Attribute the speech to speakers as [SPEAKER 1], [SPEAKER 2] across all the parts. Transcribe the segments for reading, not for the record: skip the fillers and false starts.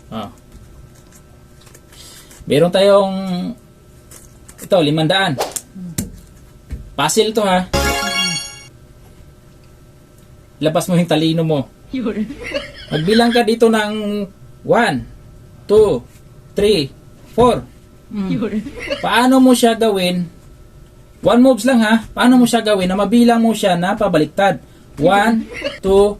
[SPEAKER 1] Oh. Meron tayong ito, 500. Puzzle to ha. Labas mo yung talino mo. Magbilang ka dito ng 1, 2, 3, 4. Paano mo siya gawin? 1 moves lang ha. Paano mo siya gawin na mabilang mo siya na pabaliktad? 1, 2,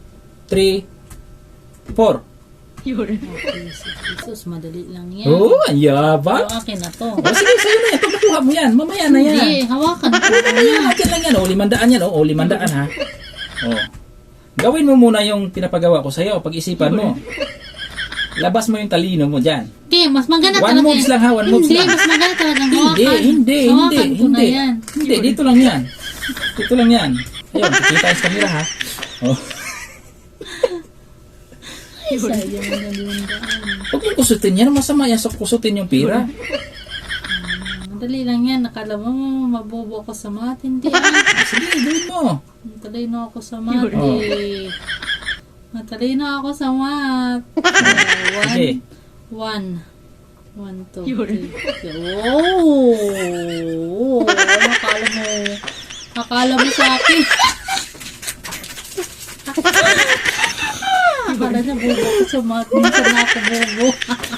[SPEAKER 1] 3, 4.
[SPEAKER 2] Okay, Jesus, madali lang yan.
[SPEAKER 1] Oh, ang yabang.
[SPEAKER 2] So, akin na to.
[SPEAKER 1] O sige, sa'yo na yan. Pagkuha mo yan. Mamaya na yan.
[SPEAKER 2] Hindi, hawakan ko.
[SPEAKER 1] Mamaya, akin lang yan. O, 500 yan. O, 500 ha. O. Gawin mo muna yung pinapagawa ko sa'yo. Pag-isipan mo. Labas mo yung talino mo dyan.
[SPEAKER 2] Hindi, mas maganda
[SPEAKER 1] 1
[SPEAKER 2] talaga.
[SPEAKER 1] moves lang ha. 1 moves
[SPEAKER 2] Hindi,
[SPEAKER 1] lang.
[SPEAKER 2] mas maganda talaga hawakan.
[SPEAKER 1] Hindi.
[SPEAKER 2] Hawakan ko na yan.
[SPEAKER 1] Hindi, dito lang yan. Dito lang yan. Ayun, kita sa camera ha. Oh.
[SPEAKER 2] Ay, sayang na din daan.
[SPEAKER 1] Huwag mong kusutin yan. Masama yan sa kusutin yung pira.
[SPEAKER 2] Madali lang yan. Nakala mo, mabobo ako sa math. Hindi.
[SPEAKER 1] Sige, gawin mo.
[SPEAKER 2] Matalino ako sa math.
[SPEAKER 1] Oh.
[SPEAKER 2] Matalino ako sa math.
[SPEAKER 1] Sige.
[SPEAKER 2] 1, 2, 3. Oh! Akala mo sa akin. Akala niya bobo ko sa math. Minsan na ako bobo.